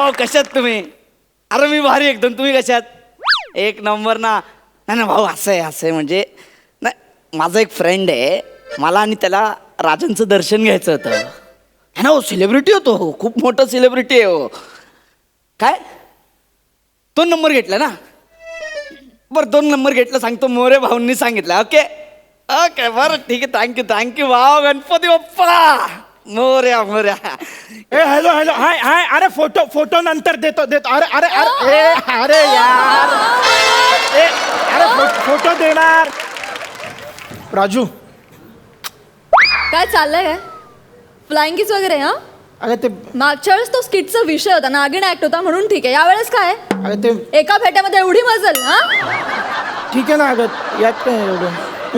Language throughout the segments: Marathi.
भाऊ कशात तुम्ही? अरे मी भारी एकदम. तुम्ही कशात? एक नंबर ना. नाही ना भाऊ, असं आहे म्हणजे नाही, माझा एक फ्रेंड आहे, मला आणि त्याला राजांचं दर्शन घ्यायचं होतं. है ना, हो सेलिब्रिटी होतो, हो खूप मोठा सेलिब्रिटी आहे हो. काय 2 नंबर घेतला ना? बरं 2 नंबर घेतला सांगतो. मोरे भाऊंनी सांगितलं. ओके ओके बरं ठीक आहे. थँक्यू भाऊ. गणपती बाप्पा मोर्या मोर्या. ए हॅलो हॅलो हाय हाय. अरे फोटो नंतर देतो. अरे अरे अरे ए अरे यार ए अरे फोटो देणार. राजू काय चाललंय काय? फ्लाइंग किस वगैरे हा? अरे ते मागच्या वेळेस तो स्किटचा विषय होता, नागिन ऍक्ट होता म्हणून ठीक आहे. यावेळेस काय? अरे ते एका फेट्यामध्ये एवढी मजल हा? ठीक आहे ना. अगं यात काय एवढं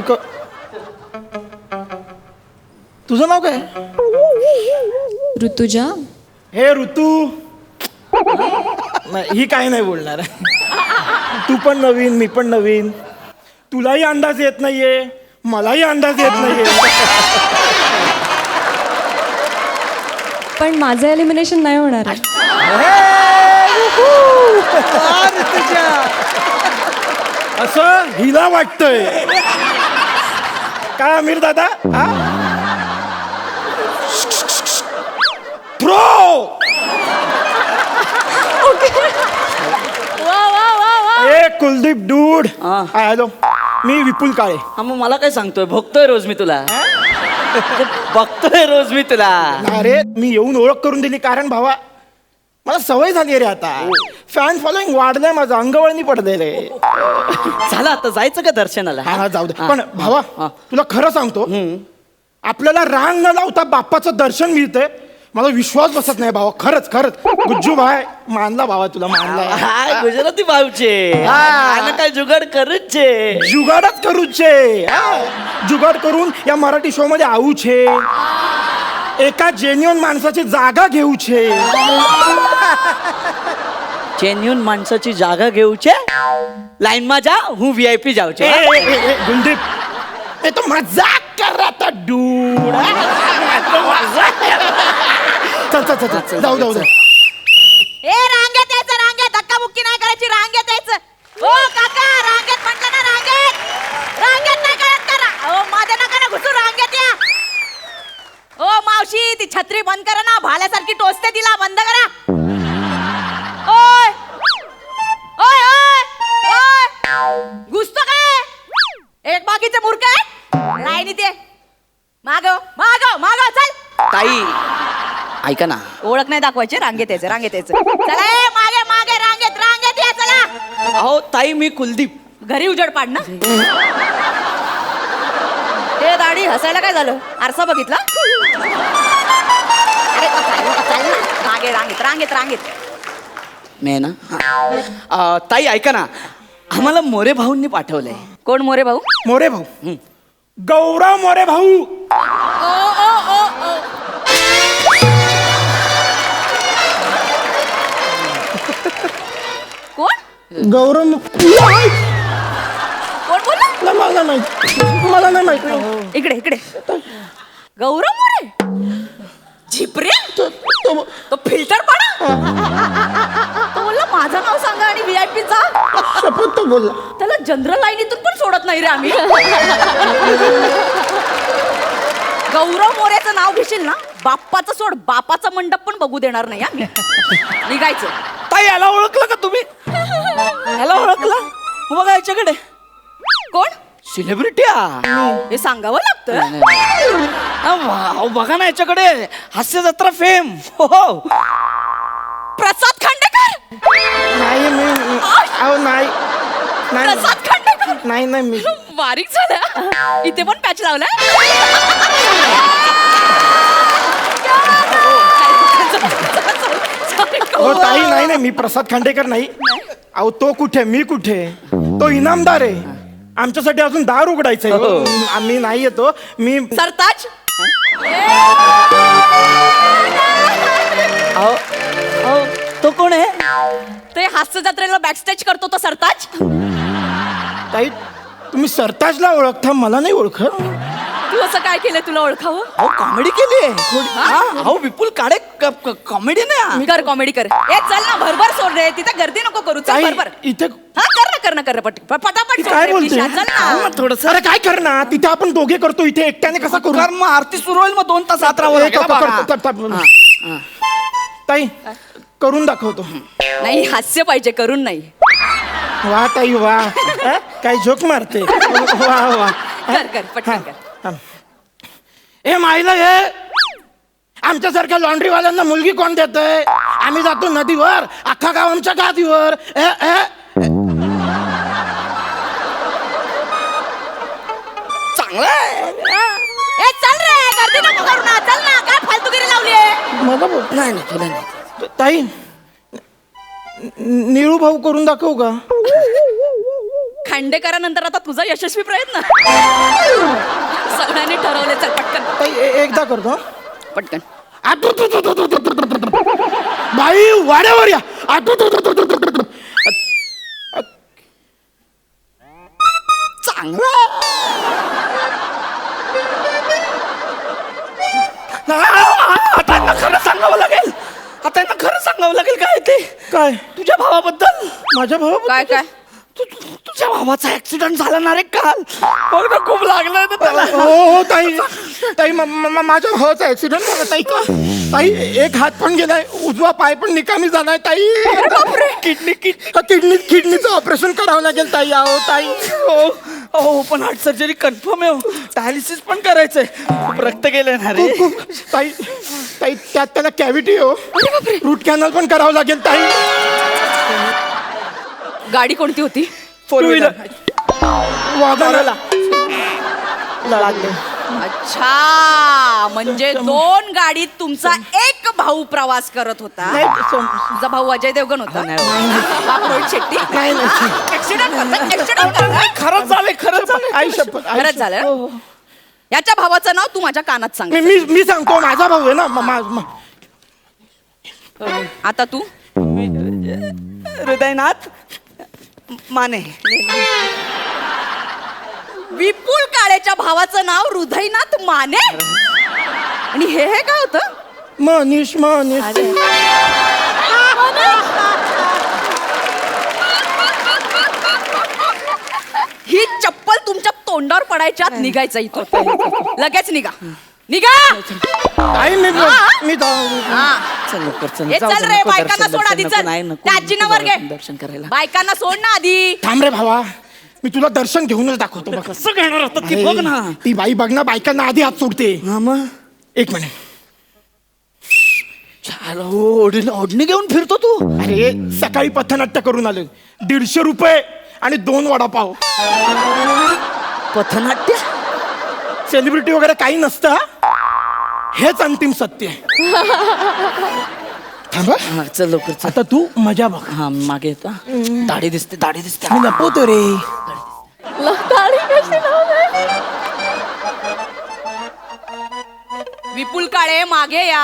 तुझं नाव काय? ऋतुजा. हे ऋतू. नाही ही काही नाही बोलणार. तू पण नवीन, मी पण नवीन. तुलाही अंदाज येत नाहीये, मलाही अंदाज येत नाहीये. पण माझं एलिमिनेशन नाही होणार आहे. असं हिला वाटतंय का आमिर दादा? प्रो. वा वा वा वा. ए कुलदीप डूड. हा. हॅलो, मी विपुल काळे. हा मग मला काय सांगतोय? बघतोय रोज मी तुला. बघतोय रोज मी तुला. अरे मी येऊन ओळख करून दिली कारण भावा मला सवय झाली रे आता. फॅन फॉलोइंग वाढलंय माझं, अंगवळणी पडलेलं आहे. झालं आता जायचं का दर्शनाला? हा जाऊ दे. हा. पण भावा हा. तुला खरं सांगतो, आपल्याला रांग न लावता बाप्पाचं दर्शन मिळतंय. मला विश्वास बसत नाही भावा. खरंच खरंच. गुज्जू भाई मानला भावा, तुला मानला. हाय, गुजराती भाऊचे. आणि काय जुगाड करूचे. जुगाडच करूचे. जुगाड करून या मराठी शो मध्ये आऊचे. एका जेन्युअन माणसाची जागा घेऊचे. जेन्युन माणसाची जागा घेऊचे. लाईन मा जा, हूँ VIP जाऊचे. गुलदीप, ये तो मजाक कर रहा था डूड. चल जाऊ. ए रांगेत यायचं, रांगेत धक्काबुक्की नाही करायची, रांगेत यायचं. ओ काका रांगेत म्हटलं ना, रांगेत नाही कळत करा. ओ माझ्या नका ना घुसू, रांगेत या. ओ मावशी ती छत्री बंद करा ना, भाल्यासारखी टोचते तिला, बंद करा. ओय ओय ओय ओय घुसतो काय? एक बाकीचे मूर्ख आहे. लाईनीत ये. मागव चल. ताई ऐका ना. ओळख नाही दाखवायची, रांगेत यायचं. चला ए, मागे रांगेत या. चला. अहो ताई, मी कुलदीप. घरी उजेड पाड ना. ए दाढी हसायला काय झालं? आरसा बघितला? अरे चाल ना. मागे रांगेत. मी ना ताई ऐका ना, आम्हाला मोरे भाऊंनी पाठवलंय. कोण मोरे भाऊ? मोरे भाऊ. गौरव मोरे भाऊ. कोण गौरव. बोलला? मला नाही माहिती. इकडे गौरव मोरे. झिपरे तो फिल्टर पाडा. तो बोलला माझं नाव सांगा आणि VIP चा. शपथ तो बोलला. त्याला जनरल लाईनीतून पण सोडत नाही रे आम्ही. गौरव मोरेचं नाव घेशील ना, बाप्पाचं सोड, बापाचा मंडप पण बघू देणार नाही आम्ही. निघायचं. ताई याला ओळखलं का तुम्ही? याला ओळखलं? बघा याच्याकडे. कोण? सेलिब्रिटी. हे सांगावं लागतं. बघा ना याच्याकडे. हास्य जत्रा फेम. हो प्रसाद खांडेकर. नाही नाही प्रसाद खांडेकर. नाही मी बारीक झालं. इथे पण पॅच लावलाय. हो ताई, नाही मी प्रसाद खांडेकर नाही. अहो तो कुठे, मी कुठे? तो इनामदार आहे. आमच्यासाठी अजून दार उघडायचंय. आम्ही नाही येतो. मी सरताज. तो कोण आहे? ते हास्य जत्रेला बॅकस्टेज करतो तो सरताज. ताई तुम्ही सरताजला ओळखता, मला नाही ओळखत. तू असं काय केलं तुला ओळखावं? अहो कॉमेडी केली अहो विपुल काळे कॉमेडी नाही कर कॉमेडी कर. ए चल ना भरभर सोड रे, तिथे गर्दी नको करू. चल ताई, भरभर. इथे हा कर ना पटापट सोड काय रे, बोलते? प्लीज, चल ना. थोडस अरे काय करणार तिथे आपण दोघे करतो, इथे एकट्याने कसा करू? कारण मग आरती सुरू होईल, मग 2 तास आत राहावं लागेल बघा. ताई करून दाखवतो. नाही हास्य पाहिजे, करून नाही. वा ताई वा. काय जोक मारते. वा वा. कर पटकन कर. ए माईला हे आमच्यासारख्या लॉन्ड्रीवाल्यांना मुलगी कोण देतय? आम्ही जातो नदीवर, अख्खा गाव आमच्या गादीवर. चांगलं आहे. ए चल रे, गर्दी नको करू ना. चल ना, काय फालतूगिरी लावली आहे? मला बोल. नाही नाही तुला नाही. ताई निळू भाऊ करून दाखवू का? खांडेकरानंतर आता तुझा यशस्वी प्रयत्न. सगळ्यांनी ठरवले. चल पटकन ताई एकदा करतो. पटकन. बाई वाड्यावर या. चांगलं आता यांना खरं सांगावं लागेल. आता यांना खरं सांगावं लागेल काय ते काय तुझ्या भावाबद्दल. माझ्या भाऊ? काय तुझ्या भावाचा ऍक्सिडेंट झाला ना रे काल. बघ ना खूप लागलं ना त्याला. हो ताई ताई माझ्या भावाचा ऍक्सिडेंट झाला ताई. ताई एक हात पण गेलाय, उजवा पाय पण निकामी झालाय ताई. किडनीचं ऑपरेशन करावं लागेल ताई. अहो ताई. हो पण हार्ट सर्जरी कन्फर्म आहे. डायलिसिस पण करायचंय. खूप रक्त गेलंय ना रे. ताई ताई त्यात त्याला कॅव्हिटी हो. रूट कॅनल पण करावं लागेल ताई. गाडी कोणती होती? 4 व्हीलर वागायला लागले. अच्छा, म्हणजे 2 गाडीत तुमचा एक भाऊ प्रवास करत होता. तुझा भाऊ अजय देवगण होता. बाप रोहित शेट्टी. ऍक्सिडेंट खरंच झालंय. आई शपथ. खरंच झालं. याच्या भावाचं नाव तू माझ्या कानात सांग. मी सांगतो माझा भाऊ आहे ना. आता तू हृदयनाथ माने. विपुल काळेच्या भावाचं नाव हृदयनाथ माने. आणि हे काय होतं? मनीष. ही चप्पल तुमच्या तोंडावर पडायच्या आत निघायचं इथं. लगेच निघा. आई मी हा. चल लवकर चल. हे जाऊ चल दे, रे, नको बायकांना दर्शन, सोड आधी. नको, चल नाही, नको, त्या आजीनं वर घे. दर्शन करायला. बायकांना सोड ना आधी. थांब रे भावा, मी तुला दर्शन घेऊनच दाखवतो बघ. कसं घेणार होतं ती बघ ना. ती बाई बघ ना, बायकांना आधी हात सोडते. हा मग 1 मिनिट. ओढणी घेऊन फिरतो तू. अरे सकाळी पथनाट्य करून आले. 150 रुपये आणि 2 वडापाव. पथनाट्य. सेलिब्रिटी वगैरे काही नसतं. हेच अंतिम सत्य आहे. थांबा. हा चल लवकर चल. आता तू मजा बघ. हा मागे येतो. दाढी दिसते. मी लपवतो रे. विपुल काळे मागे या.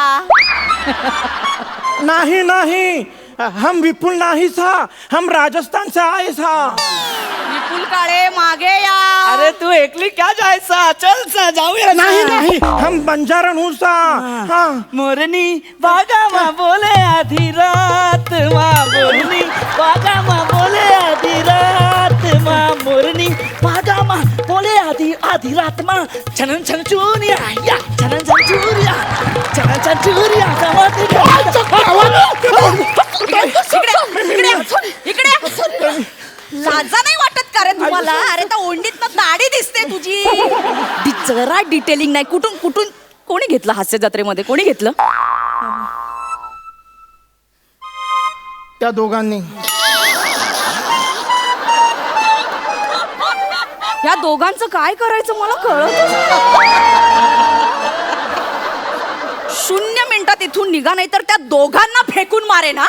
नहीं हम विपुल नहीं था, हम राजस्थान से आए था. विपुल काळे मागे या. अरे तू एकली क्या जायचा. चल सा जाऊया. नहीं हम बंजारण हूँ सा. हाँ. मोरनी बागा मा बोले आधी रात मा मोरनी बागा मा बोले आधी रात मा मोरनी बागा मा बोले आधी रात मा छनन छन चुरिया या छनन छन चुरिया छनन छन चुरिया इकडे लाजा नाही वाटत का रे तुम्हाला? अरे तर ओंडीत दाढी दिसते तुझी. जरा डिटेलिंग नाही. कुठून कोणी घेतलं हास्य जत्रेमध्ये? कोणी घेतलं? त्या दोघांनी. या दोघांचं काय करायचं मला कळत. 0 मिनिटात इथून निघा, नाही तर त्या दोघांना फेकून मारे ना.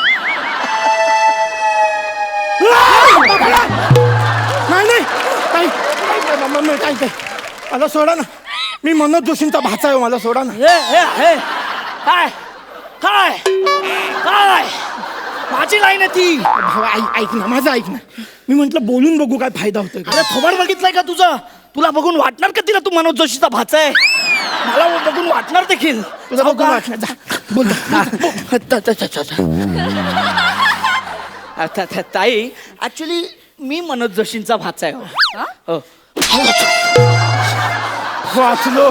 नाही मला सोडा ना. मी मनोज जोशींचा भाचा आहे. मला सोडा ना. काय काय काय माझी लाईन आहे ती. भावा ऐक ना, माझं ऐक ना. मी म्हंटल बोलून बघू काय फायदा होतोय. अरे थोबाड बघितलंय का तुझं? तुला बघून वाटणार का तिला तू मनोज जोशीचा भाचा आहे? मला बघून वाटणार देखील. तुझं बघून सावकार. वाटलं. जा, बोल. ताई ऍक्च्युली मी मनोज जोशींचा भाचा आहे हो. हो. वाचलो.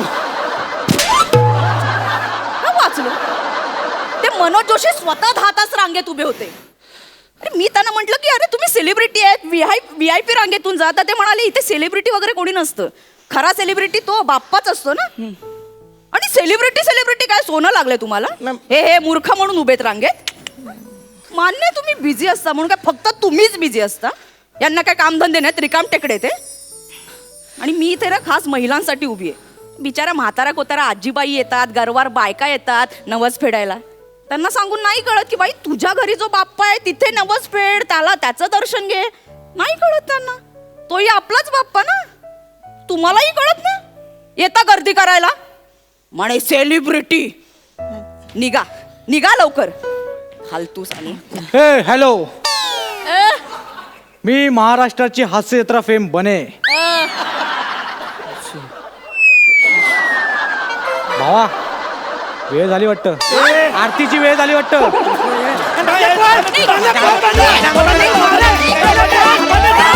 का वाचलो? ते मनोज जोशी स्वतः 10 तास रांगेत उभे होते. अरे मी त्यांना म्हटलं की अरे तुम्ही सेलिब्रिटी आहेत, VIP रांगेतून जाता. ते म्हणाले इथे सेलिब्रिटी वगैरे कोणी नसतं, खरा सेलिब्रिटी तो बाप्पाच असतो ना. आणि सेलिब्रिटी काय सोनं लागलंय तुम्हाला? हे मूर्ख म्हणून उभेत रांगेत. मान्य तुम्ही बिझी असता म्हणून काय फक्त तुम्हीच बिझी असता? यांना काय कामधंदे नाहीत, रिकाम टेकडे ते. आणि मी इथे ना खास महिलांसाठी उभी आहे. बिचारा म्हातारा कोतारा आजीबाई येतात, गरवार बायका येतात नवस फेडायला. त्यांना सांगून नाही कळत की बाई तुझ्या घरी जो बाप्पा आहे तिथे नवस फेड, त्याला त्याचं दर्शन घे. नाही कळत त्यांना, तोही आपलाच बाप्पा ना. तुम्हालाही कळत ना. येता गर्दी करायला म्हणे सेलिब्रिटी. निघा लवकर फालतूस. आणि हे हॅलो, मी महाराष्ट्राची हास्य जत्रा फेम बने. भावा वेळ झाली वाटतं, आरतीची वेळ झाली वाटतं.